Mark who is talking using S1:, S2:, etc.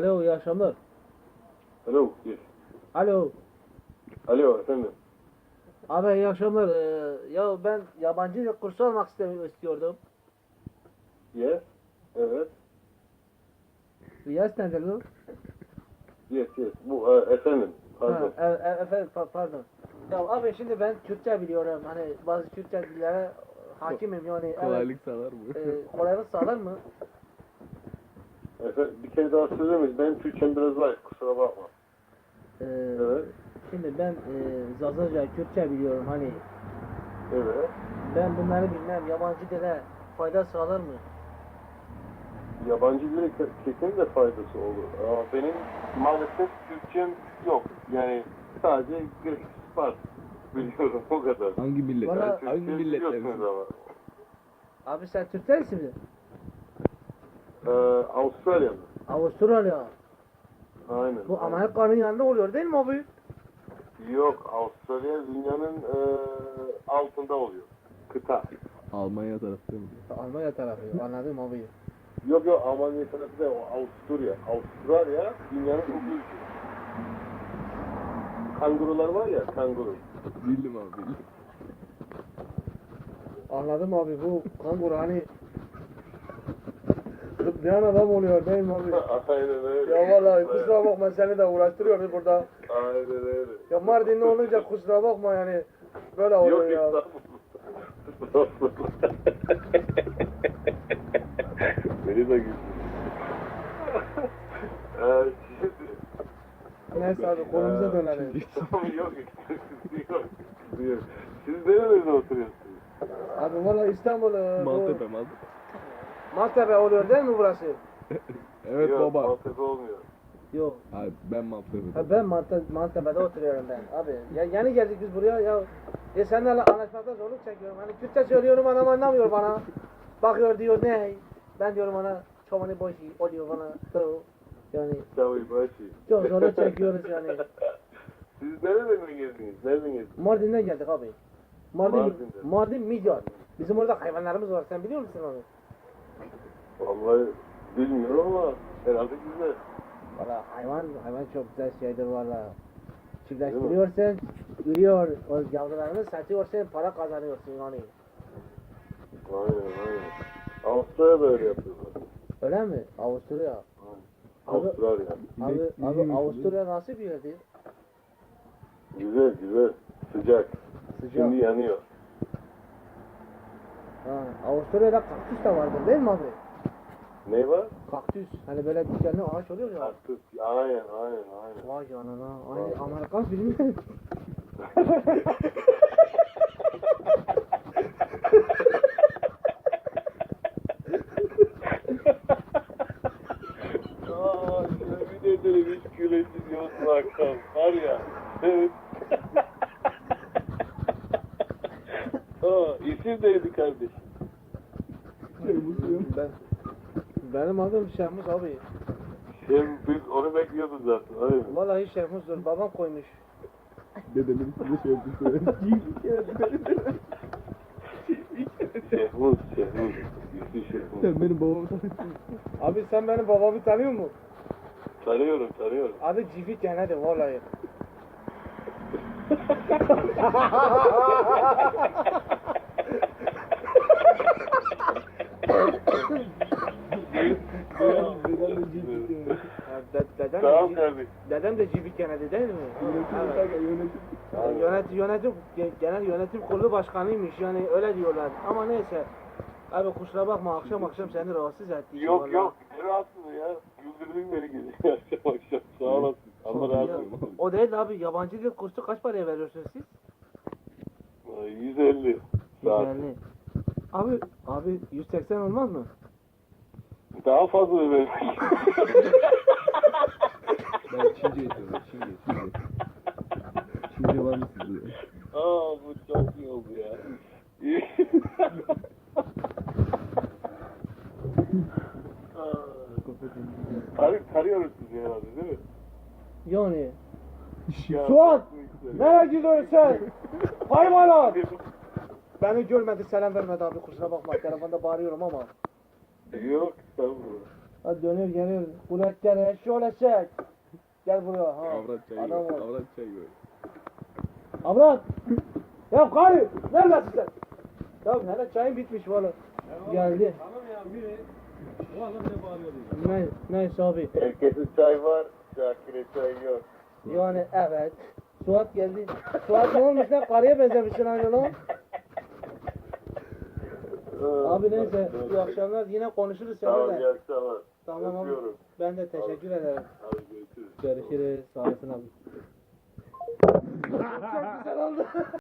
S1: Alo, iyi akşamlar.
S2: Alo, yes.
S1: Alo.
S2: Alo, efendim.
S1: Abi iyi akşamlar. Ya ben yabancı dil kursu almak istiyordum.
S2: Yes, evet.
S1: Yes nedir bu?
S2: Yes, yes. Bu, efendim. Pardon.
S1: Efendim pardon. Ya abi şimdi ben Türkçe biliyorum. Hani bazı Türkçe dillere hakimim yani.
S3: Kolaylık sağlar mı?
S1: Kolaylık sağlar mı?
S2: Efendim, bir kere daha söyler miyiz? Benim Türkçem biraz zayıf, kusura bakma.
S1: Ee,
S2: Evet.
S1: Şimdi ben Zazaca Kürtçe biliyorum hani.
S2: Evet.
S1: Ben bunları bilmem. Yabancı dile fayda sağlar mı?
S2: Yabancı dile kesinlikle faydası olur. Ama benim maalesef Türkçem yok. Yani sadece Greek var. Biliyorum, o kadar.
S3: Hangi millet?
S1: Bana-
S3: Hangi
S2: Türkçe
S3: milletler?
S2: biliyorsunuz ama.
S1: Abi sen Türkçe misin?
S2: Avustralya'da.
S1: Avustralya.
S2: Aynen.
S1: Bu Amerika'nın yanında oluyor değil mi abi?
S2: Yok, Avustralya dünyanın altında oluyor. Kıta.
S3: Almanya tarafı mı?
S1: Almanya tarafı. Anladım abi.
S2: Yok yok, Almanya tarafı da o Avusturya. Avustralya dünyanın ucu. Kangurular var ya, kanguru.
S3: Bildim abi bildim.
S1: Anladım abi. Bu kanguru hani zıplayan adam oluyor değil mi abi?
S2: Aynen öyle.
S1: Ya vallahi kusura bakma seni de uğraştırıyoruz burada.
S2: Aynen öyle.
S1: Ya Mardinli olunca kusura bakma yani. Böyle oluyor
S2: Yok
S1: ya.
S2: estağfurullah. Beni de güldü. Şimdi...
S1: Neyse abi konumuza dönelim.
S2: Tamam yok. Yok. Siz nerelerde oturuyorsunuz?
S1: Abi valla İstanbul
S3: Maltepe.
S1: Maltepe oluyor değil mi burası?
S3: Evet
S2: Yok,
S3: baba.
S2: Maltepe olmuyor.
S1: Yok.
S3: Abi ben Maltepe'de.
S1: Ha, ben Maltepe'de oturuyorum ben abi. Ya yeni geldik biz buraya ya seninle anlaşmakta zorluk çekiyorum. Hani Türkçe söylüyorum adam anlamıyor bana. Bakıyor diyor ne? Ben diyorum ona çobanı boşu oluyor bana. Yani
S2: Tabii başı.
S1: çok zorluk çekiyoruz yani.
S2: Siz nereden geldiniz? Nereden geldiniz?
S1: Mardin'den geldik abi.
S2: Mardin'den.
S1: Mardin Midyat. Bizim orada hayvanlarımız var. Sen biliyor musun onu?
S2: Vallahi bilmiyorum ama herhalde güzel.
S1: Valla hayvan çok güzel şeydir valla. Çiftleştiriyorsun, ürüyor, o yavrularını satıyorsun, para kazanıyorsun yani.
S2: Aynen. Avustralya'da öyle yapıyorlar.
S1: Öyle mi? Avusturya.
S2: Avustralya.
S1: Abi Avusturya nasıl bir yerdir?
S2: Güzel. Sıcak.
S1: Sıcak.
S2: Şimdi yanıyor.
S1: Ha, Avusturya'da kaktüs de vardır değil mi abi?
S2: Ne var?
S1: Kaktüs. Hani böyle dikenli ağaç oluyor ya.
S2: Kaktüs. Aynen.
S1: Vay canına. Aynı Amerikan filmi.
S2: Aaa yemin ederim hiç gülesim yoktu akşam. Var ya. Evet. İsim neydi kardeşim?
S1: Benim adım Şehmus abi.
S2: Biz onu bekliyorduk zaten. Öyle mi?
S1: Vallahi Şehmus'dur. Babam koymuş.
S3: Dedemin size şey yapmıştı.
S2: Şehmuz. İsmi Şehmuz.
S3: Sen benim babamı tanırsın.
S1: Abi sen benim babamı tanıyor musun?
S2: Tanıyorum.
S1: Adı Civit Yene'dir vallahi.
S2: Tamam kardeşim.
S1: Dedem de Civit Yene'di değil mi? Genel yönetim kurulu başkanıymış yani öyle diyorlar ama neyse. Abi kusura bakma akşam seni rahatsız ettik.
S2: Yok. Ne rahatsız ya. Güldürdün beni gece. Akşam. Sağ olasın. Allah razı olsun.
S1: O değil abi yabancı dil kursu kaç paraya veriyorsunuz siz?
S2: 150 saat.
S1: 150. Abi 180 olmaz mı?
S2: Daha fazla ödemek.
S3: Ben Çince yapıyorum. Çince. Çince var mı sizde?
S2: Bu çok iyi oldu ya. Tarıyoruz sizi herhalde değil mi?
S1: Yani.
S2: Ya,
S1: Suat!
S2: güzel.
S1: Nereye gidiyorsun sen? Hayvanat! Beni görmedi selam vermedi abi kusura bakma telefonda bağırıyorum ama.
S2: Yok estağfurullah.
S1: Hadi dönüyor geliyor. Burak gel şöyle çek. Gel buraya. Ha.
S3: Avrat çayı
S1: Adam
S3: gör.
S1: ol.
S3: Avrat çayı gör.
S1: Avrat. Ya karı. Neredesin sen? Ya hele çayın bitmiş valla. Geldi.
S3: Tamam ya biri. O adam ne bağırıyor diyor.
S1: Neyse abi.
S2: Herkesin çay var, Şakir'e çay yok.
S1: Yani evet. Suat geldi. Suat ne olmuş lan? Karıya benzemişsin aynı lan. Abi neyse. İyi akşamlar. Yine konuşuruz
S2: Tamam, iyi
S1: seninle.
S2: akşamlar.
S1: Tamam abi.
S2: Öpüyorum.
S1: Ben de teşekkür ederim.
S2: Hadi görüşürüz.
S1: Görüşürüz. Sağ olasın abi. Çok güzel oldu.